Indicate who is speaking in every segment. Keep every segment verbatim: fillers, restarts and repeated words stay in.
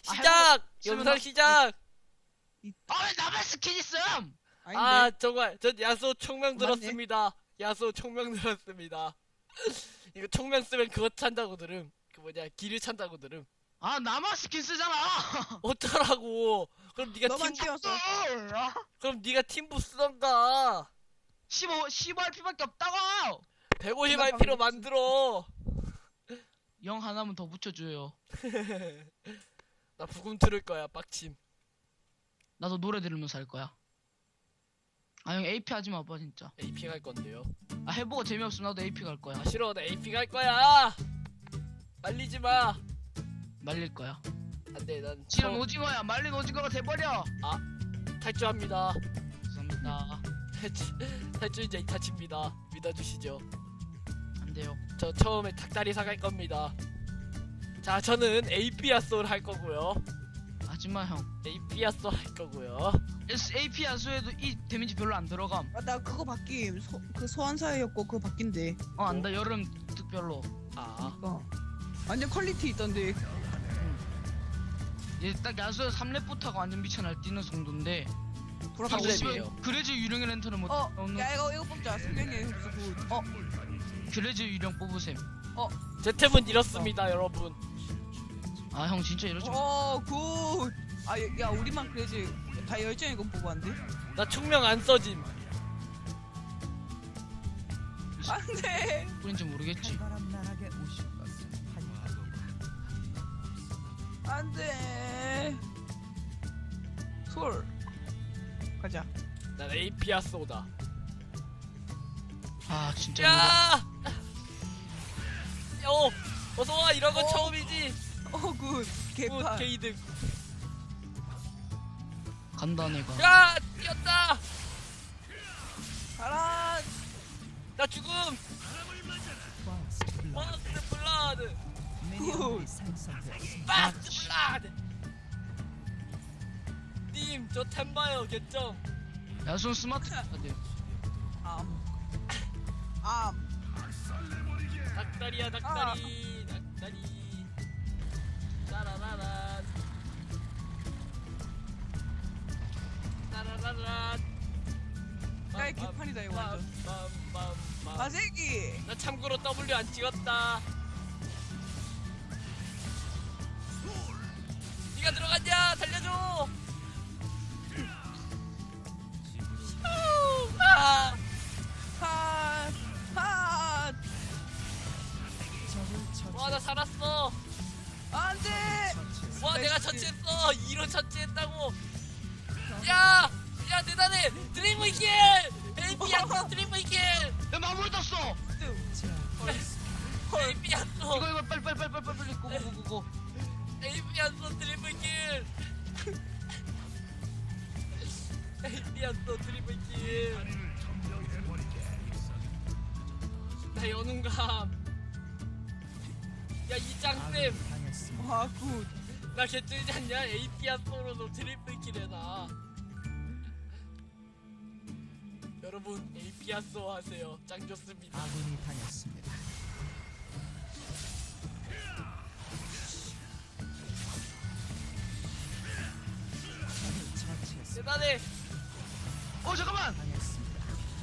Speaker 1: 시작! 영상 시작!
Speaker 2: 아 왜 나만 스킨 있음?
Speaker 1: 아 정말 전 야수 총명
Speaker 3: 맞네.
Speaker 1: 들었습니다. 야수 총명 들었습니다. 이거 총명 쓰면 그거 찬다고 들음. 그 뭐냐 길을 찬다고 들음.
Speaker 2: 아 나만 스킨 쓰잖아.
Speaker 1: 어쩌라고? 그럼 네가
Speaker 3: 너만
Speaker 1: 팀
Speaker 3: 띄웠어.
Speaker 1: 그럼 네가 팀부 쓰던가.
Speaker 2: 십오 십오 알피밖에 없다고.
Speaker 1: 백오십 알피로 만들어.
Speaker 2: 영 하나만 더 붙여줘요.
Speaker 1: 나 부금 들을 거야 빡침.
Speaker 2: 나도 노래 들으면서 할 거야. 아 형 에이피 하지 마봐 진짜.
Speaker 1: 에이피 갈 건데요.
Speaker 2: 아 해보고 재미없으면 나도 에이피 갈 거야.
Speaker 1: 아 싫어 나 에이피 갈 거야. 말리지 마.
Speaker 2: 말릴 거야.
Speaker 1: 안돼 난
Speaker 2: 지금
Speaker 1: 처음
Speaker 2: 오징어야. 말린 오징어가 돼버려.
Speaker 1: 탈주합니다.
Speaker 2: 죄송합니다.
Speaker 1: 탈주 탈주인자 이타치입니다. 믿어주시죠.
Speaker 2: 안 돼요.
Speaker 1: 저 처음에 닭다리 사갈 겁니다. 자 저는 에이피 야소를 할 거고요.
Speaker 2: 하지마 형.
Speaker 1: 에이피 야소 할 거고요.
Speaker 2: 에이피 야수에도 이 데미지 별로 안 들어감.
Speaker 3: 아, 나 그거 바뀜. 소, 그 소환사였고 그거 바뀐대.
Speaker 2: 어 안다. 여름 특별로.
Speaker 1: 아
Speaker 3: 어. 완전 퀄리티 있던데.
Speaker 2: 얘 딱 야수에 삼 렙부터가 완전 미쳐 날뛰는 정도인데.
Speaker 3: 돌아가고
Speaker 1: 삼
Speaker 3: 싶어.
Speaker 1: 렙이에요.
Speaker 2: 그래지 유령의 랜턴을 못
Speaker 3: 어,
Speaker 2: 넣는.
Speaker 3: 야 이거 이거 뽑자. 승경이 흡수 굿. 어,
Speaker 2: 그래지 유령 뽑으셈.
Speaker 1: 제 템은 이렇습니다 여러분.
Speaker 2: 아 형 진짜 이러지 마.
Speaker 3: 어, 굿. 아, 야, 야, 우리만 그래지 다 열정이고 보고 안 돼?
Speaker 1: 나 충명 안 써짐.
Speaker 3: 안 돼.
Speaker 2: 뿌린지 모르겠지.
Speaker 3: 안 돼. 솔. 가자.
Speaker 1: 난 에이피 야소다.
Speaker 2: 아 진짜.
Speaker 1: 야! 어 어서와 이런 건
Speaker 3: 어.
Speaker 1: 처음이지.
Speaker 3: 어, 굿.
Speaker 1: 굿
Speaker 3: 개판.
Speaker 1: 게이득.
Speaker 2: 간다 내가.
Speaker 1: 야 뛰었다.
Speaker 3: 가라.
Speaker 1: 나 죽음. 파스트 블라드.
Speaker 3: 굿.
Speaker 1: 파스트 블라드. 님 저 템 봐요 개점.
Speaker 2: 야수 스마트 카드.
Speaker 3: 암. 암.
Speaker 1: 닭다리야 닭다리 닭다리. 따라라란. 따라라란.
Speaker 3: 야, 이 개판이다, 이거 완전.
Speaker 1: 빰빰빰빰.
Speaker 3: 마세기.
Speaker 1: 나 참고로 W 안 찍었다. 니가 들어갔냐? 달려줘. 아,
Speaker 3: 핫. 핫.
Speaker 1: 와, 나 살았어.
Speaker 3: 안 돼.
Speaker 1: 와, 내가 처치했어. 이로 처치했다고. 야, 야 대단해. 드림 위킬. 에이피 약속 드림 위킬.
Speaker 2: 야 마무리 떴어.
Speaker 1: 에이피 약속.
Speaker 2: 이거 이거 빨리 빨리 빨리 빨리 빨리 고고고고.
Speaker 1: 에이피 약속 드림 위킬. 에이피 약속 드림 위킬. 나 연운감. 야 이짱쌤
Speaker 3: 와, 굿.
Speaker 1: 나 개쩔지 않냐? 에이피야 소로도 트리플 킬 해놔. 여러분 에이피야 소 하세요. 짱 좋습니다.
Speaker 4: 아군이 당했습니다.
Speaker 1: 대단해.
Speaker 2: 어 잠깐만.
Speaker 4: 당했습니다.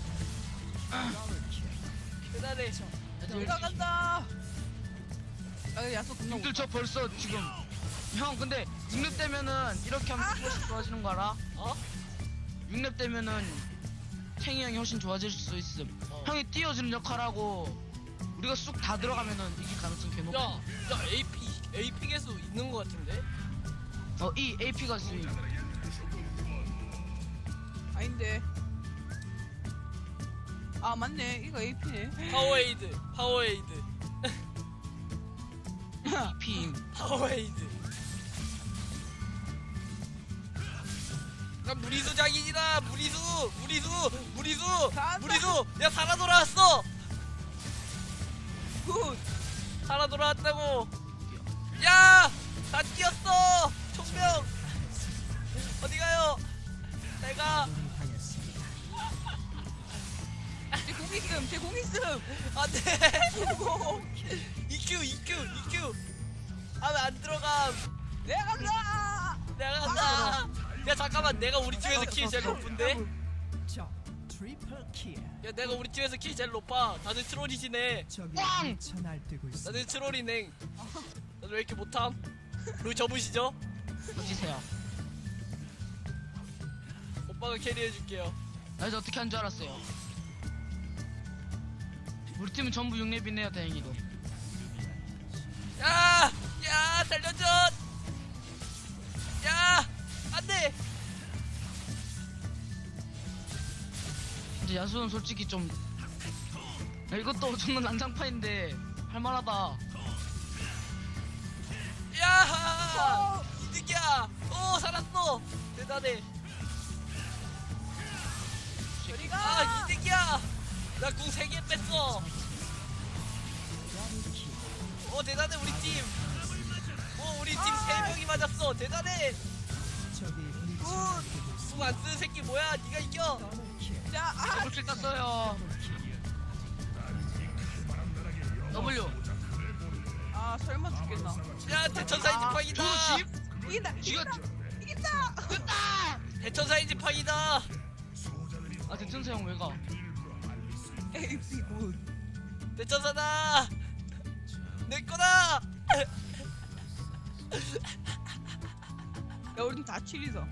Speaker 1: 대단해.
Speaker 3: 올라간다. 아, 야수 금방
Speaker 2: 님들 저 벌써 지금 형 근데 육 렙 되면은 이렇게 하면 훨씬 좋아지는 거 알아?
Speaker 1: 어?
Speaker 2: 육 렙 되면은 탱이 형이 훨씬 좋아질 수 있음.
Speaker 1: 어.
Speaker 2: 형이 띄워주는 역할하고 우리가 쑥 다 들어가면은 이길 가능성 개 높아.
Speaker 1: 야, 야 에이피 에이피 개수 있는 거 같은데?
Speaker 2: 어이 에이피가 쓰임.
Speaker 3: 아닌데. 아, 맞네. 이거 에이피네.
Speaker 1: 파워에이드, 파워에이드,
Speaker 2: 피.
Speaker 1: 파워에이드. 난 무리수 장인이다. 무리수, 무리수, 무리수,
Speaker 3: 간다.
Speaker 1: 무리수. 야 살아 돌아왔어.
Speaker 3: 굿.
Speaker 1: 살아 돌아왔다고. 야! 다 뛰었어! 총명! 어디 가요? 내가
Speaker 4: 아군이 당했습니다.
Speaker 3: 제 공 있음. 제 공 있음.
Speaker 1: 안 돼! 이큐, 이큐, 이큐! 하면 안 들어감!
Speaker 3: 내가 간다.
Speaker 1: 야 잠깐만 내가 우리 팀에서 킬 제일 높은데?
Speaker 4: 적 트리플 킬.
Speaker 1: 야 내가 우리 팀에서 킬 제일 높아. 다들 트롤이시네.
Speaker 4: 적이
Speaker 2: 꽝!
Speaker 4: 미쳐 날뛰고 있습니다.
Speaker 1: 다들 트롤이네. 다들 왜 이렇게 못함? 룰 접으시죠?
Speaker 2: 던지세요.
Speaker 1: 오빠가 캐리해줄게요.
Speaker 2: 나 이제 어떻게 한 줄 알았어요. 우리 팀은 전부 육 렙이네요 다행히도.
Speaker 1: 야! 야 살려줘! 야! 안돼!
Speaker 2: 이제 야수는 솔직히 좀 야, 이것도 정말 난장판인데 할만하다.
Speaker 1: 야! 이득이야! 오 살았어! 대단해.
Speaker 3: 저리가.
Speaker 1: 아 이득이야! 나 궁 세 개 뺐어. 오 대단해 우리 팀. 오 우리 팀 세 명이 맞았어. 대단해.
Speaker 4: 적이 미쳐 날뛰고 있습니다.
Speaker 1: 궁 안 쓰는 새끼 뭐야? 네가 이겨.
Speaker 4: 더블 킬.
Speaker 3: 자, 아,
Speaker 2: 더블킬 땄어요. W.
Speaker 3: 아 설마 죽겠나?
Speaker 1: 야 대천사의 지팡이다.
Speaker 2: 조심.
Speaker 3: 이긴다. 이긴다. 이긴다.
Speaker 2: 됐다.
Speaker 1: 대천사의 지팡이다.
Speaker 2: 아 대천사 형 왜 가?
Speaker 3: 에이피 굿.
Speaker 1: 대천사다. 내 거다.
Speaker 3: 야 우린 다 칠이서.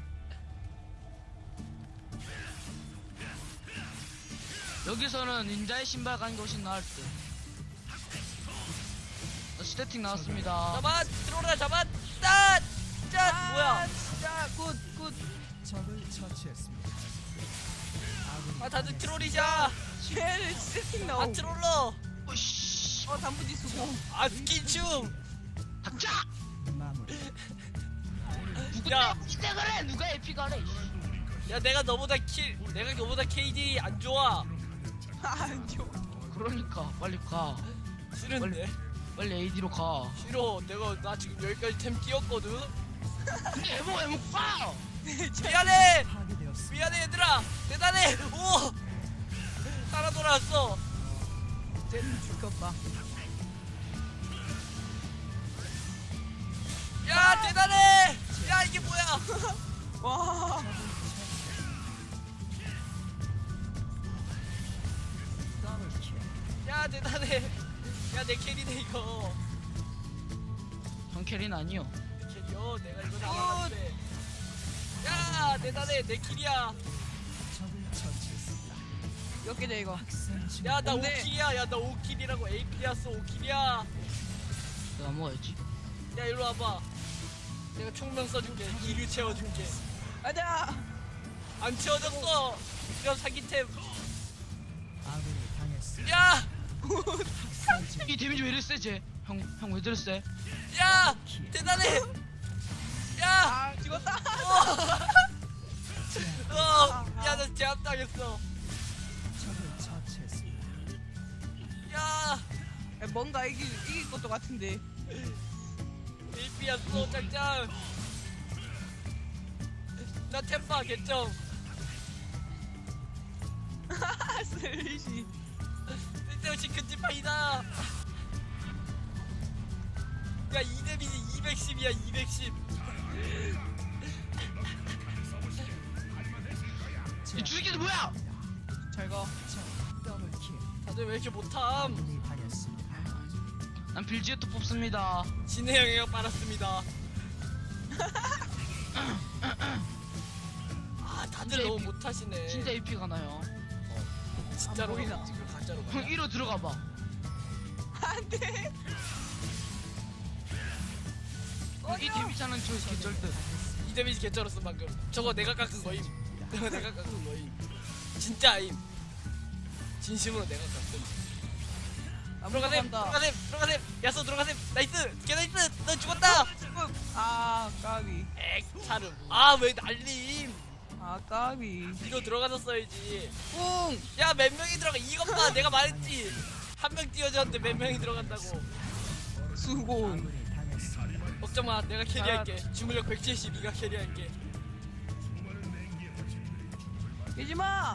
Speaker 2: 여기서는 닌자의 신발 가는 게 훨씬 나을 듯. 어, 스태틱 나왔습니다.
Speaker 1: 잡아 들어오라 잡았다. 짠 뭐야?
Speaker 3: 자, 굿, 굿.
Speaker 4: 적을 처치했습니다. 아군이
Speaker 1: 아 다들
Speaker 4: 당했습니다.
Speaker 1: 트롤이자.
Speaker 3: 쟤를 세팅
Speaker 1: 아
Speaker 3: 나오.
Speaker 1: 트롤러.
Speaker 2: 오씨.
Speaker 3: 어 단무지 수고.
Speaker 1: 아 스킨춤.
Speaker 2: 닥쳐.
Speaker 4: 마무리.
Speaker 1: 야.
Speaker 2: 누가 그래? 누가 에피가 그래?
Speaker 1: 야 내가 너보다 킬 내가 너보다 케이디 안 좋아.
Speaker 3: 안 좋아.
Speaker 2: 그러니까 빨리 가.
Speaker 1: 싫은데.
Speaker 2: 빨리 에이디로 가.
Speaker 1: 싫어. 내가 나 지금 여기까지 템 끼웠거든.
Speaker 2: 근데 에모 에모 빠.
Speaker 1: 미안해.
Speaker 4: 파괴되었습니다.
Speaker 1: 미안해 얘들아. 대단해. 오. 따라 돌아왔어.
Speaker 3: 쟤는 죽겠다.
Speaker 1: 야 대단해. 야 이게 뭐야?
Speaker 3: 와.
Speaker 4: 더블 킬.
Speaker 1: 야 대단해. 야 내 캐리네 이거.
Speaker 2: 형 캐리는 아니요.
Speaker 1: 내 캐리요. 내가 이거 나가는데. 야 대단해. 내 킬이야.
Speaker 4: 적을 처치했습니다.
Speaker 3: 몇 개냐 이거?
Speaker 4: 학생 중
Speaker 1: 야 나 오
Speaker 3: 근데-
Speaker 1: 킬이야. 야 나 오 킬이라고. 에이피리았어 오 킬이야.
Speaker 2: 내가 먹어야지.
Speaker 1: 야 일로 와봐. 내가 총명 써줄게. 기류 채워줄게.
Speaker 3: 가자.
Speaker 1: 안 채워졌어. 이런 사기템.
Speaker 4: 아군이 당했습니다.
Speaker 1: 야!
Speaker 4: 학생 중
Speaker 2: 이 데미지 왜 이래 세지? 형 형 왜 이래 세?
Speaker 1: 야! 대단해! 야!
Speaker 3: 아 죽었다.
Speaker 1: 어! 야, 나 제압당했어.
Speaker 4: 적을 처치했습니다.
Speaker 1: 야!
Speaker 3: 야, 뭔가 이길 이길 것도 같은데.
Speaker 1: 일피였어, 짱짱. 나 템파 개점.
Speaker 3: 슬리시.
Speaker 1: 쓸데없이 큰 지팡이다. 야, 이 데미지 이백십이야, 이백십.
Speaker 2: 이 주식이 뭐야?
Speaker 3: 잘 가.
Speaker 4: 적 더블 킬.
Speaker 1: 다들 왜 이렇게 못함?
Speaker 4: 아군이 당했습니다.
Speaker 2: 난 빌지에토 뽑습니다.
Speaker 1: 진해 영향 빨았습니다. 아, 다들
Speaker 2: 진짜
Speaker 1: 너무
Speaker 2: 에픽-
Speaker 1: 못하시네.
Speaker 2: 진짜 에이피가 나요.
Speaker 1: 진짜로
Speaker 3: 안 보이나?
Speaker 1: 지금 가짜로
Speaker 2: 형
Speaker 1: 가.
Speaker 2: 이로 들어가 봐.
Speaker 3: 안돼.
Speaker 2: 이 데미지는 저 개쩔듯.
Speaker 1: 이 데미지 개쩔었어 방금. 저거 내가 깎은 거임. 저거 내가 깎은 거임. 진짜 아임. 진심으로 내가 깎은.
Speaker 3: 안
Speaker 1: 들어가셈,
Speaker 3: 들어간다.
Speaker 1: 들어가셈, 들어가셈. 야쏘 들어가셈. 나이스, 개 나이스. 너 죽었다.
Speaker 3: 아 까비.
Speaker 1: 엑 차름. 아 왜 날림?
Speaker 3: 아 까비.
Speaker 1: 이거 들어가서 써야지.
Speaker 3: 뿡.
Speaker 1: 야 몇 명이 들어가? 이것 봐, 내가 말했지. 한 명 띄워줬는데 몇 명이 들어간다고.
Speaker 3: 수고.
Speaker 4: 아군이 당했습니다.
Speaker 1: 걱정 마, 내가 캐리할게. 주물력 백칠십, 네가 캐리할게.
Speaker 3: 깨지 마.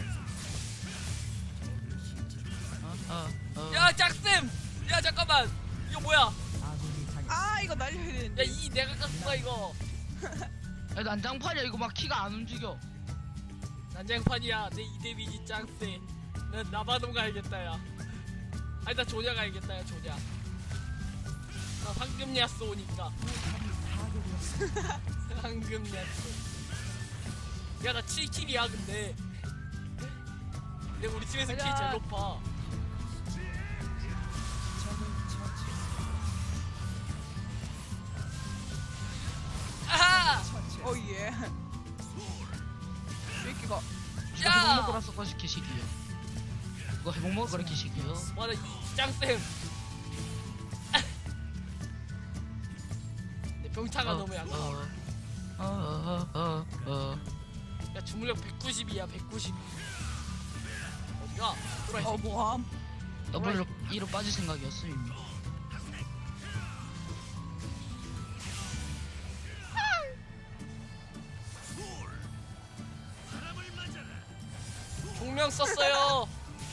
Speaker 2: 어, 어, 어.
Speaker 1: 야 짝쌤, 야 잠깐만. 이거 뭐야?
Speaker 4: 아군이 당했습니다.
Speaker 3: 아 이거 날려야
Speaker 1: 야
Speaker 3: 되는데.
Speaker 1: 이 내가 깎은 거야 이거.
Speaker 2: 야, 난장판이야. 이거 막 키가 안 움직여.
Speaker 1: 난장판이야. 내 이 데미지 짱세. 난 나바돔 가야겠다 야. 아니 나 조냐 가야겠다 야 조냐. 나 황금 야스 오니까. 황금 야스. 야나 칠 킬이야 근데. 근데 우리 팀에서 킬 제일 높아.
Speaker 4: 적을 처치했습니다.
Speaker 1: 아하!
Speaker 4: 처치했습니다.
Speaker 3: 어예. 새끼가
Speaker 2: 이거
Speaker 1: 야!
Speaker 2: 해먹 먹으라 썩어시 개시기요. 이거 해먹 먹으라 개시기요.
Speaker 1: 와나 이 짱쌤. 내 병타가 너무 약해.
Speaker 2: 어어어어 어.
Speaker 1: 야 주물력 백구십이야 백구십. 어디가? 돌아 이
Speaker 3: 어
Speaker 1: 새끼.
Speaker 3: 뭐함?
Speaker 2: 더블로 이로 빠질 생각이었어 이미.
Speaker 1: 종명 썼어요.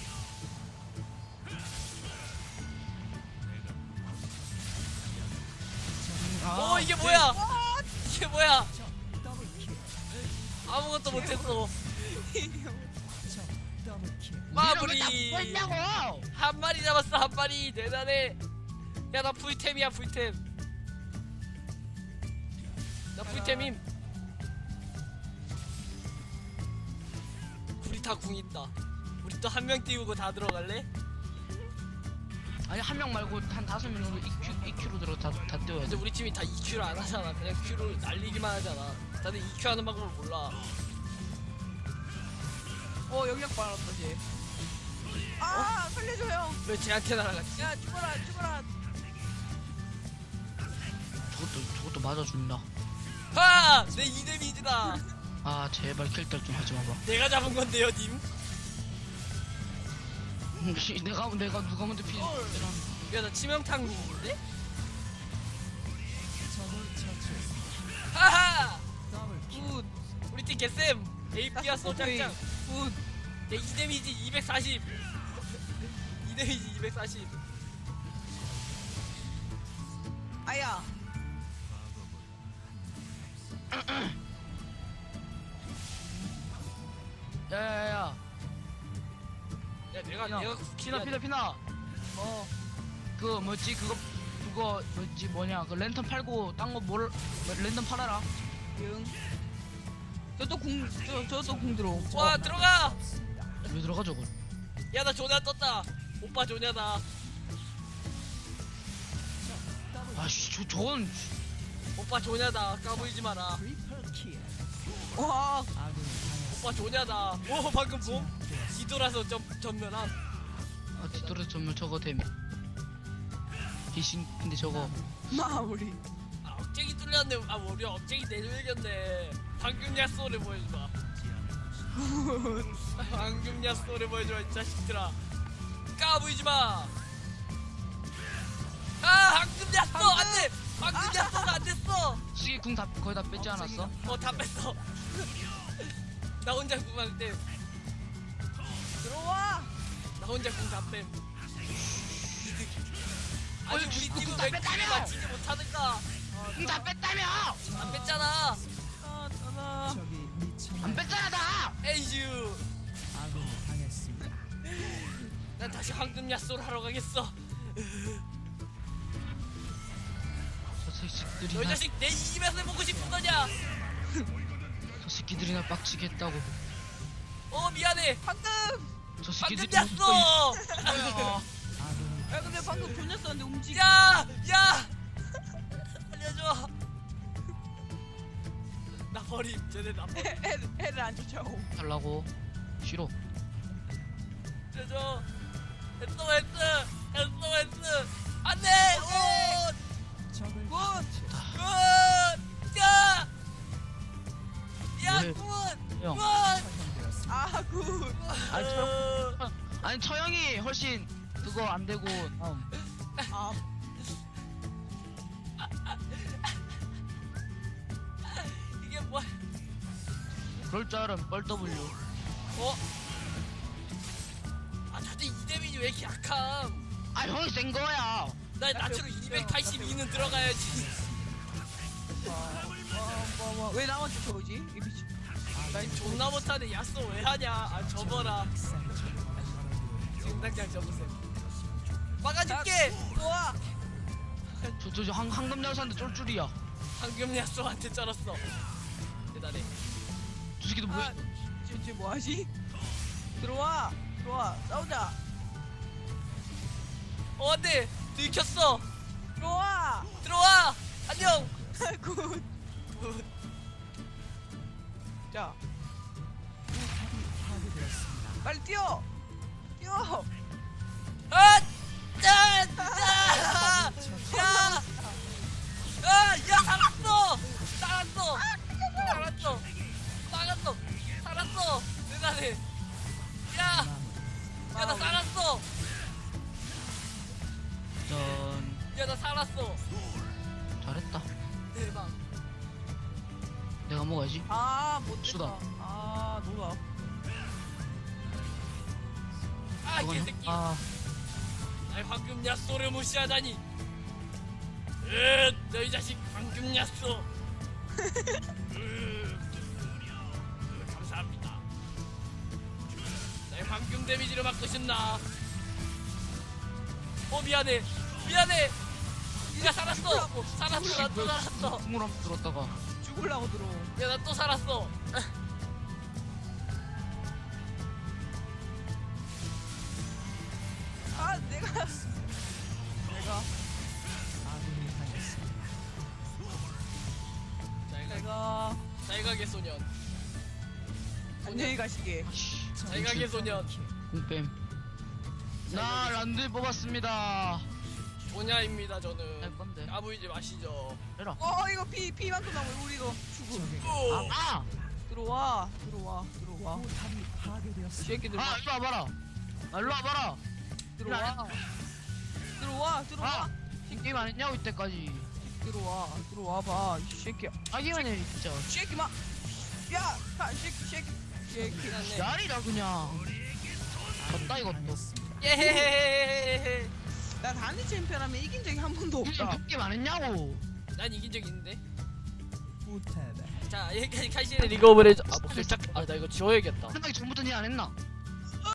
Speaker 1: 오 이게 뭐야? 이게 뭐야?
Speaker 4: 적 더블킬.
Speaker 1: 아무것도 못했어.
Speaker 4: 적 더블킬.
Speaker 1: 마무리.
Speaker 2: 뭐냐고?
Speaker 1: 한 마리 잡았어 한 마리 대단해. 야 나 풀템이야 풀템. 나 풀템임. 우리 다 궁 있다. 우리 또 한 명 띄우고 다 들어갈래?
Speaker 2: 아니 한 명 말고 한 다섯 명으로 이큐 이큐로 들어 다다 띄워야
Speaker 1: 근데
Speaker 2: 돼.
Speaker 1: 우리 팀이 다 이큐를 안 하잖아. 그냥 Q를 날리기만 하잖아. 다들 이큐 하는 방법을 몰라.
Speaker 3: 어 영역 받았다 쟤. 아 살려줘 형.
Speaker 1: 왜 쟤한테 날아갔지?
Speaker 3: 야 죽어라 죽어라.
Speaker 2: 저것도 저것도 맞아준다.
Speaker 1: 하! 내 이 데미지다.
Speaker 2: 아 제발 킬딸 좀 하지 마봐.
Speaker 1: 내가 잡은 건데요 님.
Speaker 2: 씨, 내가 내가 누가 먼저 피.
Speaker 1: 야 나 치명탕 님인데?
Speaker 4: 적을 처치했습니다.
Speaker 1: 하하!
Speaker 4: 더블킬.
Speaker 3: 굿.
Speaker 1: 우리 팀 개쌤. 에이피야 소장장.
Speaker 3: 굿.
Speaker 1: 내 이 데미지 이백사십. 이 데미지 이백사십.
Speaker 3: 아야.
Speaker 2: 야야야.
Speaker 1: 야 내가
Speaker 2: 야,
Speaker 1: 내가
Speaker 2: 피나
Speaker 1: 쿠키야.
Speaker 2: 피나 피나.
Speaker 3: 어.
Speaker 2: 그 뭐지 그거 그거 뭐지 뭐냐 그 랜턴 팔고 딴 거 뭘 랜턴 팔아라.
Speaker 3: 응. 저또 궁, 저, 저또 궁 들어.
Speaker 1: 와 들어가.
Speaker 2: 왜 들어가 저거?
Speaker 1: 야 나 조냐 떴다. 오빠 조냐다.
Speaker 2: 아씨 저 저건
Speaker 1: 오빠 조냐다. 까불지 마라.
Speaker 4: 트리플 킬.
Speaker 3: 와.
Speaker 4: 아군이 당했습니다.
Speaker 1: 오빠 조냐다. 오 방금 뭐? 뒤돌아서 점 전면함.
Speaker 2: 아 뒤돌아 전면 저거 되면. 귀신 근데 저거
Speaker 3: 마무리.
Speaker 1: 아 억제기 뚫렸네. 아 우리 억제기 내줘야겠네. 방금 야쏘를 보여줘봐. 방금 야쏘를 보여줘 이 자식들아. 까부이지 마. 아 방금 야쏘 안돼. 방금 야쏘가 안 됐어.
Speaker 2: 수기 궁다 거의 다 뺐지 않았어?
Speaker 1: 어 다 뺐어. 나 혼자 궁할 때.
Speaker 3: 들어와.
Speaker 1: 나 혼자 궁다 뺨. 아니
Speaker 2: 어이,
Speaker 1: 우리
Speaker 2: 주-
Speaker 1: 팀은
Speaker 2: 궁다
Speaker 1: 왜
Speaker 2: 뺐다며!
Speaker 1: 킬을 맞히지 못하는가?
Speaker 2: 궁다 뺐다며!
Speaker 1: 안 뺐잖아.
Speaker 3: 아, 따라.
Speaker 4: 적이 미쳐.
Speaker 2: 안 뺐잖아 다!
Speaker 1: 에이유.
Speaker 4: 아군이 당했습니다.
Speaker 1: 난 다시 황금 야쏘를 하러 가겠어.
Speaker 2: 저 새끼들이
Speaker 1: 너희
Speaker 2: 나,
Speaker 1: 자식 내 이집에서 보고 싶은 거냐?
Speaker 2: 저 새끼들이 나 빡치게 했다고.
Speaker 1: 어 미안해.
Speaker 3: 방금.
Speaker 2: 저
Speaker 1: 황금
Speaker 2: 새끼들이
Speaker 1: 야쏘.
Speaker 4: 아군이
Speaker 3: 야 근데 방금 돌렸었는데 움직이.
Speaker 1: 야, 야. 알려줘. 나 버림. 쟤네 나 버림.
Speaker 3: 애를 애를 안 쫓아오.
Speaker 2: 달라고. 싫어.
Speaker 1: 알려줘. 했어 했어. 했어 했어. 안돼. 오.
Speaker 4: 적을
Speaker 3: 굿.
Speaker 4: 처치했습니다.
Speaker 1: 굿! 야! 야,
Speaker 2: 뭐해?
Speaker 1: 굿!
Speaker 2: 형.
Speaker 1: 굿!
Speaker 4: 처형되었습니다.
Speaker 3: 아 굿.
Speaker 2: 아니 저 아니 처형이 훨씬 그거 안 되고 다음.
Speaker 3: 아.
Speaker 1: 이게 뭐야?
Speaker 2: 그럴 줄 알은 뻘 W.
Speaker 1: 어? 아, 다들 이 데미지 왜 이렇게 약함?
Speaker 2: 아 형이 센 거야.
Speaker 1: 나 나처럼 이백팔십이는 들어가야지.
Speaker 3: 와, 와, 와, 왜 나만 쫓아오지? 이 미친.
Speaker 1: 난 존나 못하네. 야쏘 왜 하냐? 아 접어라. 지금 당장 접으세요. 막아줄게.
Speaker 3: 좋아.
Speaker 2: 저, 저, 저, 황, 황금 야수한테 쫄줄이야.
Speaker 1: 방금 야쏘한테 쩔었어. 대단해.
Speaker 2: 저 새끼도 뭐,
Speaker 3: 아, 쟤, 쟤 뭐하지? 들어와. 들어와. 싸우자.
Speaker 1: 어 안돼. 들켰어.
Speaker 3: 들어와.
Speaker 1: 들어와. 안녕.
Speaker 3: 굿. 자,
Speaker 4: 파괴되었습니다.
Speaker 3: 빨리 뛰어. 뛰어.
Speaker 1: 아! 짠! 야! 야! 아! 야 살았어! 살았어! 살았어! 살았어! 살았어! 대단해! 야! 야 나 살았어!
Speaker 2: 전,
Speaker 1: 야 나 살았어!
Speaker 2: 잘했다.
Speaker 1: 대박!
Speaker 2: 내가 먹어야지.
Speaker 3: 아, 못
Speaker 2: 수다.
Speaker 3: 됐다. 아, 놀아.
Speaker 1: 아
Speaker 2: 이거는-
Speaker 1: 개새끼!
Speaker 2: 아,
Speaker 1: 날 방금 야쏘를 무시하다니! 으, 너희 자식 방금 야쏘! 으, 으, 감사합니다. 날 방금 데미지를 막고 싶나? 어 미안해, 미안해. 야 살았어, 살았어, 나 또 살았어.
Speaker 2: 국물 한번 들었다가.
Speaker 3: 죽으려고 들어.
Speaker 1: 야 나 또 살았어.
Speaker 3: 아, 내가. 내가.
Speaker 4: 아군이 당했습니다.
Speaker 1: 잘가,
Speaker 3: 내가.
Speaker 1: 잘가게 소년,
Speaker 3: 안녕히 가시게.
Speaker 2: 아씨,
Speaker 1: 잘가게 소년.
Speaker 2: 공뱀. 나 란드 뽑았습니다.
Speaker 1: 조냐입니다 저는.
Speaker 2: 할 건데.
Speaker 1: 까부이지 마시죠.
Speaker 2: 해라.
Speaker 3: 어, 이거 피, 피만큼 나오면 우리 이거 죽음.
Speaker 4: 적에게
Speaker 1: 오,
Speaker 2: 아!
Speaker 3: 들어와. 들어와. 들어와.
Speaker 4: 포탑이
Speaker 3: 이
Speaker 4: 파괴되었습니다.
Speaker 3: 새끼들.
Speaker 2: 아, 일로 와봐라. 아, 일로 와봐라.
Speaker 3: 들어와. 들어와. 들어와.
Speaker 2: 아! 이 게임 안 했냐고, 이때까지.
Speaker 3: 들어와. 들어와 봐. 이 새끼야.
Speaker 2: 자기만 해, 진짜.
Speaker 3: 이 새끼 마. 야, 가, 이 새끼, 이 새끼. 이 새끼.
Speaker 1: 미안해.
Speaker 2: 야리라, 그냥. 졌다, 이것도.
Speaker 4: 당했습니다.
Speaker 1: 예헤헤헤헤헤.
Speaker 3: 나 단일 챔피언하면 이긴 적이 한 번도
Speaker 2: 그냥
Speaker 3: 없다.
Speaker 2: 그 게임 안 했냐고.
Speaker 1: 난 이긴 적 있는데.
Speaker 4: 포탑에
Speaker 1: 자 여기까지 카이신의 리그 오브 레전. 아 목소리 짝. 아나 이거 지워야겠다.
Speaker 2: 끝나기 전부터 니 안 했나?